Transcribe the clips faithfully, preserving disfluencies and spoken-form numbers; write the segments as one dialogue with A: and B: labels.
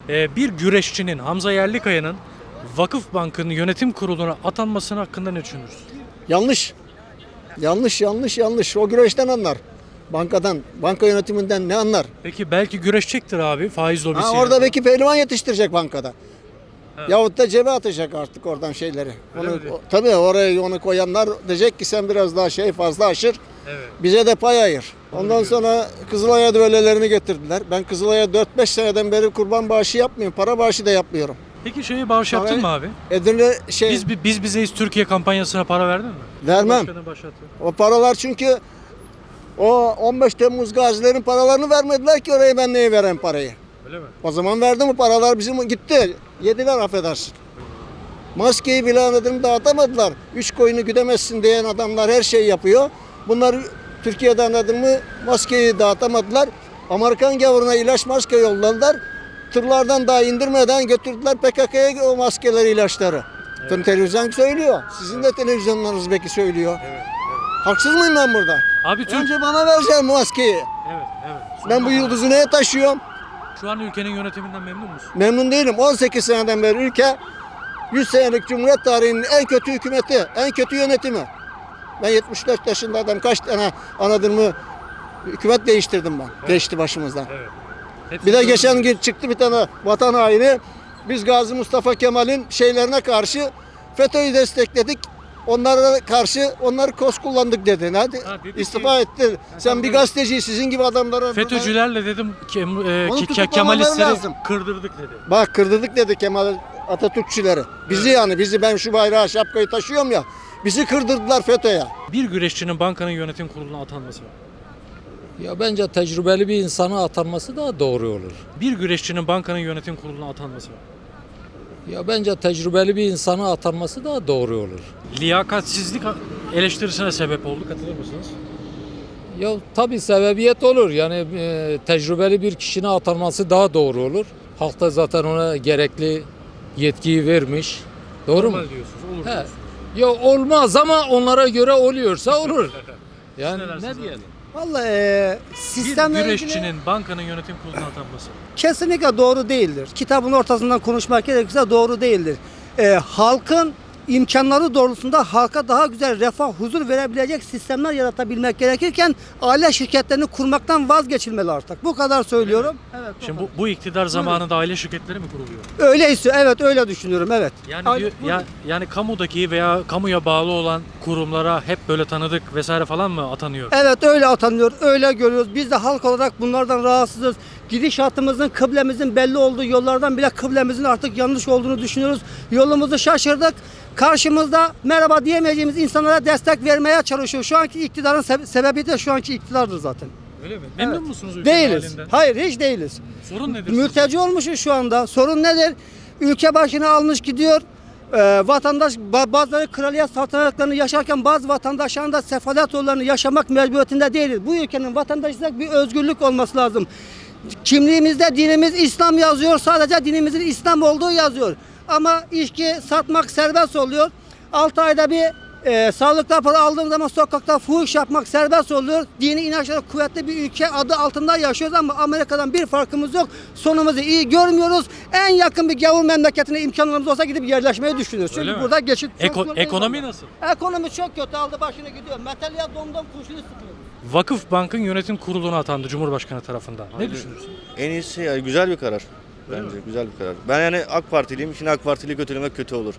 A: Ee, bir güreşçinin Hamza Yerlikaya'nın Vakıfbank'ın yönetim kuruluna atanmasının hakkında ne düşünürsün?
B: Yanlış. Yanlış, yanlış, yanlış. O güreşten anlar. Bankadan, banka yönetiminden ne anlar?
A: Peki belki güreşecektir abi faiz lobisi.
B: Ha, orada belki pehlivan yetiştirecek bankada. Evet. Yahut da cebe atacak artık oradan şeyleri. Onu, o, tabii oraya onu koyanlar diyecek ki sen biraz daha şey fazla aşır. Evet. Bize de pay ayır. Ondan sonra Kızılay'a düellelerini getirdiler. Ben Kızılay'a dört beş seneden beri kurban bağışı yapmıyorum. Para bağışı da yapmıyorum.
A: Peki şeyi bağış yaptın
B: Parayı,
A: mı abi?
B: Edirne şey...
A: Biz, biz bizeyiz Türkiye kampanyasına para verdin mi?
B: Vermem. O paralar çünkü o on beş Temmuz gazilerin paralarını vermediler ki oraya ben neye vereyim parayı.
A: Öyle mi?
B: O zaman verdi mi paralar bizim gitti. Yediler affedersin. Maskeyi bile anladım dağıtamadılar. Üç koyunu güdemezsin diyen adamlar her şeyi yapıyor. Bunlar Türkiye'de anladın mı maskeyi dağıtamadılar. Amerikan gavuruna ilaç maske yolladılar. Tırlardan daha indirmeden götürdüler P K K'ya o maskeleri, ilaçları. Evet. Televizyon söylüyor. Sizin de televizyonlarınız belki söylüyor. Evet, evet. Haksız mıyım ben burada?
A: Abi Türk...
B: Önce bana vereceksin maskeyi.
A: Evet, evet. Sonra
B: ben bu yıldızı neye taşıyorum?
A: Şu an ülkenin yönetiminden memnun musun?
B: Memnun değilim. on sekiz seneden beri ülke yüz senelik Cumhuriyet tarihinin en kötü hükümeti, en kötü yönetimi. Ben yetmiş dört yaşında adam kaç tane anladın mı hükümet değiştirdim ben. Evet. Geçti başımızdan. Evet. Bir de geçen gün çıktı bir tane vatan haini. Biz Gazi Mustafa Kemal'in şeylerine karşı FETÖ'yü destekledik. Onlara karşı onları kos kullandık dedi. Hadi ha, dedi istifa ki, etti. Sen bir gazeteci sizin gibi adamlara...
A: FETÖ'cülerle dedim ke, e, ke, Kemalistleri kırdırdık dedi.
B: Bak kırdırdık dedi Kemal Atatürkçüleri. Bizi evet. Yani bizi ben şu bayrağı şapkayı taşıyorum ya. Bizi kırdırdılar FETÖ'ye.
A: Bir güreşçinin bankanın yönetim kuruluna atanması var.
C: Ya bence tecrübeli bir insana atanması daha doğru olur.
A: Bir güreşçinin bankanın yönetim kuruluna atanması var.
C: Ya bence tecrübeli bir insana atanması daha doğru olur.
A: Liyakatsizlik eleştirisine sebep oldu. Katılır mısınız?
C: Ya tabii sebebiyet olur. Yani e, tecrübeli bir kişinin atanması daha doğru olur. Halk da zaten ona gerekli yetkiyi vermiş. Doğru
A: Normal
C: mu?
A: diyorsunuz. Olur
C: He.
A: diyorsunuz.
C: Ya olmaz ama onlara göre oluyorsa olur. Yani ne diyelim?
D: Vallahi e, sistemle
A: bir güreşçinin
D: ilgili
A: bankanın yönetim kuruluna atanması.
D: kesinlikle doğru değildir. Kitabın ortasından konuşmak gerekirse doğru değildir. E, halkın imkanları doğrultusunda halka daha güzel refah, huzur verebilecek sistemler yaratabilmek gerekirken aile şirketlerini kurmaktan vazgeçilmeli artık. Bu kadar söylüyorum. Evet.
A: Şimdi bu, bu iktidar zamanında aile şirketleri mi kuruluyor?
D: Öyle istiyor. Evet öyle düşünüyorum. Evet.
A: Yani diyor, ya, yani kamudaki veya kamuya bağlı olan kurumlara hep böyle tanıdık vesaire falan mı atanıyor?
D: Evet öyle atanıyor. Öyle görüyoruz. Biz de halk olarak bunlardan rahatsızız. Gidişatımızın, kıblemizin belli olduğu yollardan bile kıblemizin artık yanlış olduğunu düşünüyoruz. Yolumuzu şaşırdık. Karşımızda merhaba diyemeyeceğimiz insanlara destek vermeye çalışıyor. Şu anki iktidarın sebe- sebebi de şu anki iktidardır zaten.
A: Öyle mi? Memnun
D: evet.
A: musunuz ülkenin
D: Değiliz.
A: halinden?
D: Hayır hiç değiliz.
A: Sorun nedir?
D: Mülteci olmuşuz şu anda. Sorun nedir? Ülke başına almış gidiyor. Ee, vatandaş bazıları kraliyet saltanatlarını yaşarken bazı vatandaşların da sefalet yollarını yaşamak mecburiyetinde değiliz. Bu ülkenin vatandaşlık bir özgürlük olması lazım. Kimliğimizde dinimiz İslam yazıyor. Sadece dinimizin İslam olduğu yazıyor. Ama içki satmak serbest oluyor. altı ayda bir e, sağlık raporu aldığım zaman sokakta fuhuş yapmak serbest oluyor. Dini inançları kuvvetli bir ülke adı altında yaşıyoruz ama Amerika'dan bir farkımız yok. Sonumuzu iyi görmüyoruz. En yakın bir gavur memleketine imkanlarımız olsa gidip yerleşmeyi düşünüyoruz. Çünkü
A: mi?
D: burada geçit
A: Eko, ekonomi nasıl?
D: Ekonomi çok kötü, aldı başını gidiyor. Metalya domdom kurşunu sıkıyor.
A: Vakıfbank'ın yönetim kuruluna atandı Cumhurbaşkanı tarafından. Ne düşünürsün?
E: En iyisi yani güzel bir karar. Bence güzel bir karar. Ben yani AK Partiliyim. Şimdi AK Partili'yi kötülemek kötü olur.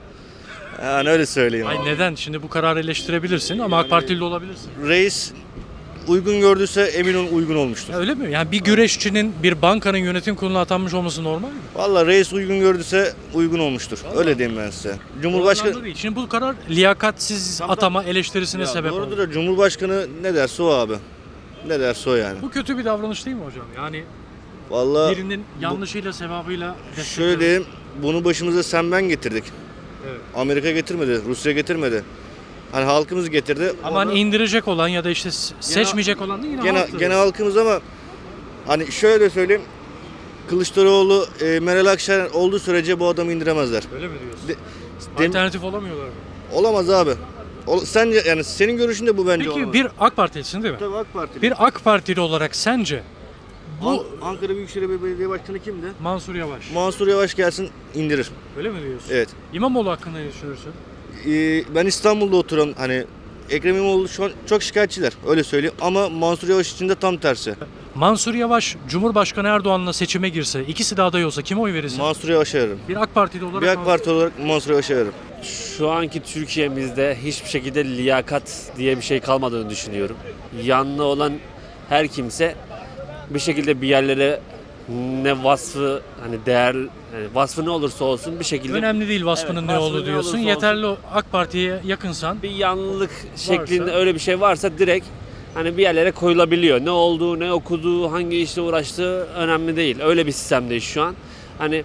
E: Yani öyle söyleyeyim.
A: Ay neden? Şimdi bu kararı eleştirebilirsin ama yani, AK Partili de olabilirsin.
E: Reis uygun gördüyse emin olun uygun olmuştur.
A: Ya öyle mi? Yani bir güreşçinin bir bankanın yönetim kuruluna atanmış olması normal mi?
E: Vallahi reis uygun gördüyse uygun olmuştur. Vallahi. Öyle diyeyim ben size. Cumhurbaşkanı
A: değil. Şimdi bu karar liyakatsiz tamam, atama eleştirisine
E: ya
A: sebep oldu.
E: Doğrudur da Cumhurbaşkanı ne derse o abi. Ne derse o yani.
A: Bu kötü bir davranış değil mi hocam? Yani
E: vallahi
A: birinin yanlışıyla sevabıyla
E: şöyle diyeyim, bunu başımıza sen ben getirdik.
A: Evet.
E: Amerika getirmedi, Rusya getirmedi. Hani halkımız getirdi.
A: Ama hani indirecek olan ya da işte seçmeyecek gene, olan da yine
E: gene,
A: halktır.
E: Gene halkımız ama hani şöyle söyleyeyim. Kılıçdaroğlu, e, Meral Akşener olduğu sürece bu adamı indiremezler.
A: Öyle mi diyorsun?
E: De,
A: Alternatif olamıyorlar mı?
E: Olamaz abi. O, sence yani senin görüşün de bu bence
A: Peki
E: olamaz.
A: bir AK Partilisin değil mi?
E: Tabii AK Partili.
A: Bir AK Partili olarak sence Bu
E: An- Ankara Büyükşehir Belediye Başkanı kimdi?
A: Mansur Yavaş.
E: Mansur Yavaş gelsin indirir.
A: Öyle mi diyorsun?
E: Evet.
A: İmamoğlu hakkında ne düşünürsün?
E: Ee, ben İstanbul'da oturan hani Ekrem İmamoğlu şu an çok şikayetçiler öyle söyleyeyim ama Mansur Yavaş için de tam tersi.
A: Mansur Yavaş Cumhurbaşkanı Erdoğan'la seçime girse, ikisi de aday olsa kime oy verirsin?
E: Mansur Yavaş'a veririm.
A: Bir AK Partili olarak
E: Bir AK
A: Mansur-
E: Parti olarak Mansur Yavaş'a veririm.
F: Şu anki Türkiye'mizde hiçbir şekilde liyakat diye bir şey kalmadığını düşünüyorum. Yanlı olan her kimse bir şekilde bir yerlere ne vasfı hani değer yani vasfı ne olursa olsun bir şekilde
A: Önemli değil vasfının
F: Evet,
A: ne
F: vasfı
A: olduğu
F: ne
A: diyorsun.
F: olursa
A: Yeterli o AK Parti'ye yakınsan.
F: bir yanlılık şeklinde öyle bir şey varsa direkt hani bir yerlere koyulabiliyor. Ne olduğu, ne okuduğu, hangi işle uğraştığı önemli değil. Öyle bir sistemdeyiz şu an. Hani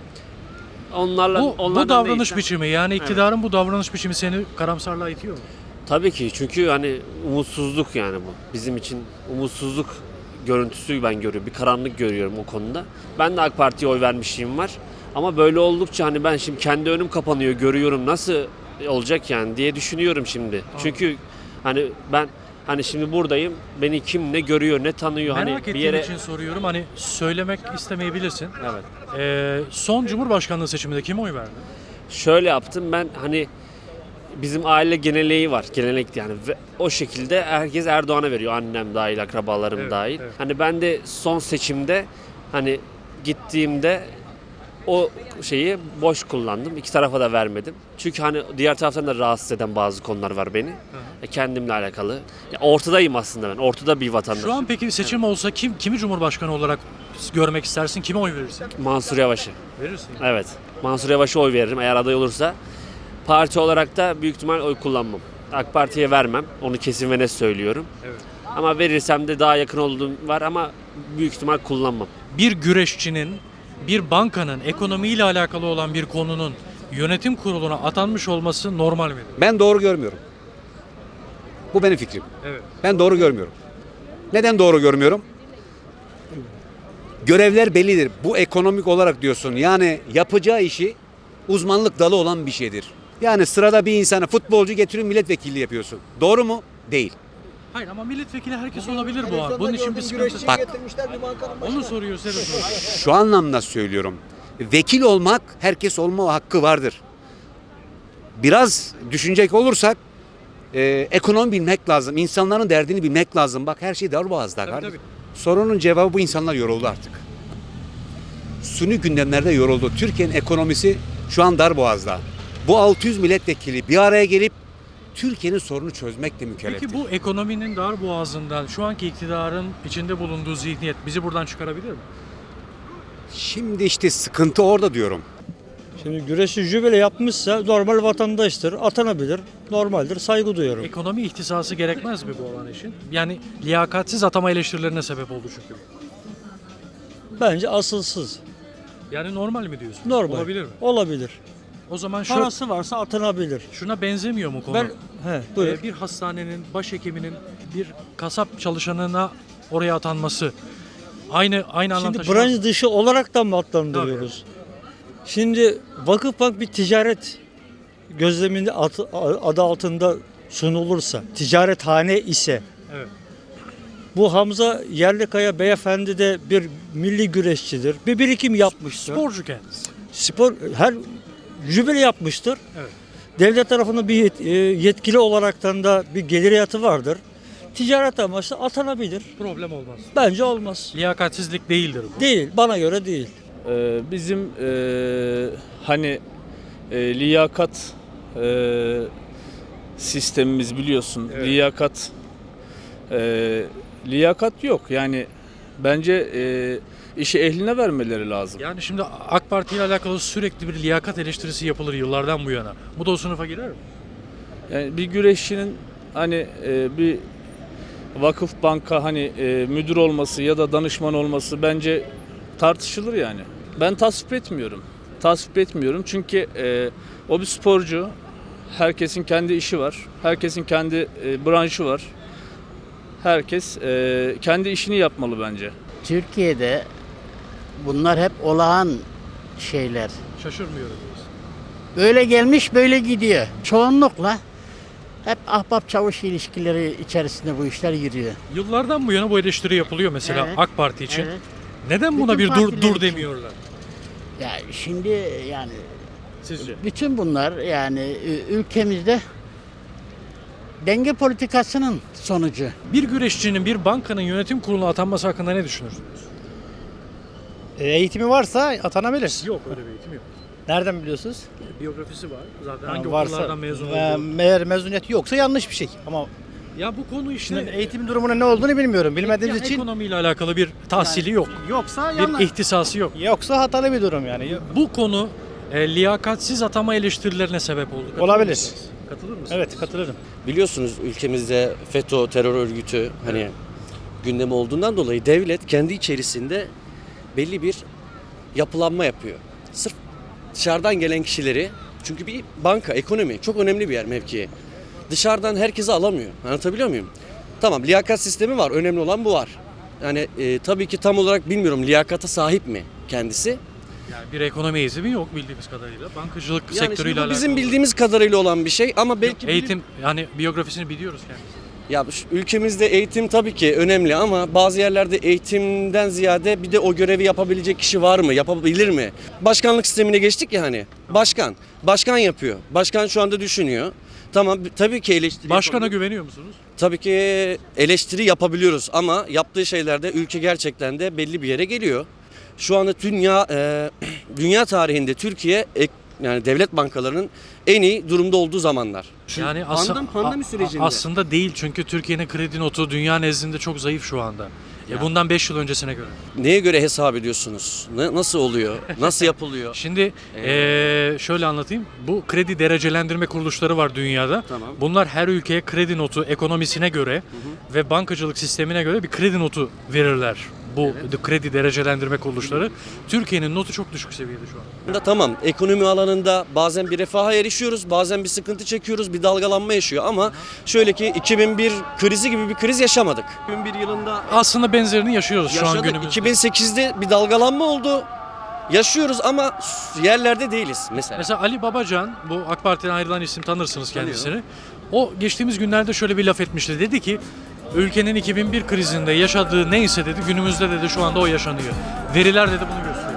F: onlarla
A: Bu, bu
F: onlardan
A: davranış
F: değilsen-
A: biçimi yani iktidarın bu davranış biçimi seni karamsarlığa itiyor mu?
F: Tabii ki çünkü hani umutsuzluk yani bu. Bizim için umutsuzluk görüntüsü ben görüyorum. Bir karanlık görüyorum o konuda. Ben de AK Parti'ye oy vermişliğim var. Ama böyle oldukça hani ben şimdi kendi önüm kapanıyor görüyorum nasıl olacak yani diye düşünüyorum şimdi. Çünkü hani ben hani şimdi buradayım. Beni kim ne görüyor ne tanıyor
A: Merak
F: hani
A: ettiğim
F: bir yere
A: için soruyorum. Hani söylemek istemeyebilirsin.
F: Evet.
A: Ee, son Cumhurbaşkanlığı seçiminde kime oy verdin?
F: Şöyle yaptım ben hani bizim aile geneleği var. Gelenek yani ve o şekilde herkes Erdoğan'a veriyor. Annem dahil, akrabalarım
A: Evet,
F: dahil.
A: evet.
F: Hani ben de son seçimde hani gittiğimde o şeyi boş kullandım. İki tarafa da vermedim. Çünkü hani diğer taraftan da rahatsız eden bazı konular var beni. E, kendimle alakalı. Ya ortadayım aslında ben. Ortada bir vatandaşım.
A: Şu an peki bir seçim olsa kim kimi Cumhurbaşkanı olarak görmek istersin? Kime oy verirsin?
F: Mansur Yavaş'ı.
A: Verirsin.
F: Evet. Mansur Yavaş'a oy veririm eğer aday olursa. Parti olarak da büyük ihtimal oy kullanmam. AK Parti'ye vermem. Onu kesin ve net söylüyorum.
A: Evet.
F: Ama verirsem de daha yakın olduğum var ama büyük ihtimal kullanmam.
A: Bir güreşçinin, bir bankanın ekonomiyle alakalı olan bir konunun yönetim kuruluna atanmış olması normal midir?
G: Ben doğru görmüyorum. Bu benim fikrim.
A: Evet.
G: Ben doğru görmüyorum. Neden doğru görmüyorum? Görevler bellidir. Bu ekonomik olarak diyorsun. Yani yapacağı işi uzmanlık dalı olan bir şeydir. Yani sırada bir insanı futbolcu getiriyor milletvekilliği yapıyorsun. Doğru mu? Değil.
A: Hayır ama milletvekili herkes olabilir bu an. Bunun için bir sıkıntı.
G: Bak.
B: getirmişler bir bankanın başına.
A: Onu soruyor Serap.
G: Şu anlamda söylüyorum. Vekil olmak herkes olma hakkı vardır. Biraz düşünecek olursak e, ekonomi bilmek lazım. İnsanların derdini bilmek lazım. Bak her şey darboğazda
A: Tabii,
G: kardeşim. Sorunun cevabı bu insanlar yoruldu artık. Suni gündemlerde yoruldu. Türkiye'nin ekonomisi şu an darboğazda. Bu altı yüz milletvekili bir araya gelip Türkiye'nin sorunu çözmekle mükelleftir.
A: Peki bu ekonominin dar boğazından şu anki iktidarın içinde bulunduğu zihniyet bizi buradan çıkarabilir mi?
G: Şimdi işte sıkıntı orada diyorum.
H: Şimdi güreşi jübile yapmışsa normal vatandaştır, atanabilir, normaldir, saygı duyuyorum.
A: Ekonomi ihtisası gerekmez mi bu olan için? Yani liyakatsiz atama eleştirilerine sebep oldu çünkü.
H: Bence asılsız,
A: Yani normal mi diyorsun?
H: normal.
A: Olabilir mi?
H: Olabilir.
A: O zaman şu,
H: Parası varsa atanabilir.
A: şuna benzemiyor mu konu?
H: Ben, he, buyur.
A: Ee, bir hastanenin, başhekiminin bir kasap çalışanına oraya atanması aynı aynı anlam
H: Şimdi
A: taşımaz mı?
H: branş dışı olarak da mı adlandırıyoruz? Şimdi Vakıfbank bir ticaret gözleminde adı, adı altında sunulursa, ticarethane ise
A: Evet.
H: bu Hamza Yerlikaya beyefendi de bir milli güreşçidir. Bir birikim yapmıştır.
A: Sporcu kendisi.
H: Spor her jübile yapmıştır.
A: Evet.
H: Devlet tarafından bir yet- e, yetkili olaraktan da bir geliriyatı vardır. Ticaret amaçlı atanabilir.
A: Problem olmaz.
H: Bence olmaz.
A: Liyakatsizlik değildir bu.
H: Değil, bana göre değil.
I: Ee, bizim e, hani e, liyakat e, sistemimiz biliyorsun.
A: Evet.
I: Liyakat e, liyakat yok. Yani bence e, işi ehline vermeleri lazım.
A: Yani şimdi AK Parti ile alakalı sürekli bir liyakat eleştirisi yapılır yıllardan bu yana. Bu da o sınıfa girer mi?
I: Yani bir güreşçinin hani e, bir vakıf banka hani e, müdür olması ya da danışman olması bence tartışılır yani. Ben tasvip etmiyorum. Tasvip etmiyorum çünkü e, o bir sporcu. Herkesin kendi işi var. Herkesin kendi e, branşı var. Herkes e, kendi işini yapmalı bence.
J: Türkiye'de bunlar hep olağan şeyler.
A: Şaşırmıyorum diyorsun.
J: Böyle gelmiş böyle gidiyor. Çoğunlukla hep ahbap çavuş ilişkileri içerisinde bu işler yürüyor.
A: Yıllardan bu yana bu eleştiri yapılıyor mesela
J: Evet.
A: AK Parti için.
J: Evet.
A: Neden buna
J: Bütün
A: bir dur
J: partiler
A: dur
J: için.
A: demiyorlar?
J: Ya şimdi yani
A: Sizce?
J: bütün bunlar yani ü- ülkemizde denge politikasının sonucu.
A: Bir güreşçinin bir bankanın yönetim kuruluna atanması hakkında ne düşünürsünüz?
H: E, eğitimi varsa atanabilir.
A: Yok, öyle bir eğitim yok.
H: Nereden biliyorsunuz?
A: Biyografisi var. Zaten
H: Yani
A: hangi
H: varsa,
A: okullardan mezun
H: e,
A: olduğu.
H: eğer mezuniyeti yoksa yanlış bir şey. Ama
A: Ya bu konu işte
H: şimdi eğitim durumunun ne olduğunu bilmiyorum. Bilmediğimiz
A: ya
H: için
A: ekonomiyle alakalı bir tahsili yok.
H: yoksa
A: Bir
H: yanlış.
A: ihtisası yok.
H: Yoksa hatalı bir durum yani.
A: Bu konu e, liyakatsiz atama eleştirilerine sebep oldu. Katılır
H: Olabilir.
A: mısınız? Katılır mısınız?
H: Evet, katılırım.
K: Biliyorsunuz ülkemizde FETÖ terör örgütü hani gündemi olduğundan dolayı devlet kendi içerisinde belli bir yapılanma yapıyor. Sırf dışarıdan gelen kişileri, çünkü bir banka, ekonomi çok önemli bir yer, mevki. Dışarıdan herkesi alamıyor. Anlatabiliyor muyum? Tamam, liyakat sistemi var. Önemli olan bu var. Yani e, tabii ki tam olarak bilmiyorum, liyakata sahip mi kendisi?
A: Yani bir ekonomi eğitimi yok bildiğimiz kadarıyla. Bankacılık
K: Yani
A: sektörüyle
K: şimdi bu
A: alakalı.
K: bizim bildiğimiz kadarıyla olan bir şey ama belki
A: Eğitim yani biyografisini biliyoruz kendisi.
K: Ya şu ülkemizde eğitim tabii ki önemli ama bazı yerlerde eğitimden ziyade bir de o görevi yapabilecek kişi var mı? Yapabilir mi? Başkanlık sistemine geçtik ya hani. Başkan. Başkan yapıyor. Başkan şu anda düşünüyor. Tamam tabii ki eleştiri
A: Başkana
K: yapabiliyor.
A: güveniyor musunuz?
K: Tabii ki eleştiri yapabiliyoruz ama yaptığı şeylerde ülke gerçekten de belli bir yere geliyor. Şu anda dünya e, dünya tarihinde Türkiye ek- yani devlet bankalarının en iyi durumda olduğu zamanlar.
A: Yani ası-
K: pandemi, pandemi
A: a- a-
K: sürecinde.
A: aslında değil çünkü Türkiye'nin kredi notu dünya nezdinde çok zayıf şu anda. E bundan beş yıl öncesine göre.
K: Neye göre hesap ediyorsunuz? Ne, nasıl oluyor? Nasıl yapılıyor?
A: Şimdi eee, şöyle anlatayım. Bu kredi derecelendirme kuruluşları var dünyada.
K: Tamam.
A: Bunlar her ülkeye kredi notu ekonomisine göre ve bankacılık sistemine göre bir kredi notu verirler. Bu de- kredi derecelendirme kuruluşları. Türkiye'nin notu çok düşük seviyede şu an.
K: Da tamam, ekonomi alanında bazen bir refaha erişiyoruz, bazen bir sıkıntı çekiyoruz, bir dalgalanma yaşıyor ama şöyle ki iki bin bir krizi gibi bir kriz yaşamadık. iki bin bir yılında
A: Aslında benzerini yaşıyoruz şu an
K: yaşadık.
A: günümüzde.
K: iki bin sekizde bir dalgalanma oldu. Yaşıyoruz ama yerlerde değiliz mesela.
A: Mesela Ali Babacan, bu AK Parti'den ayrılan isim, tanırsınız kendisini. O geçtiğimiz günlerde şöyle bir laf etmişti. Dedi ki ülkenin iki bin bir krizinde yaşadığı neyse dedi günümüzde dedi şu anda o yaşanıyor. Veriler dedi bunu gösteriyor.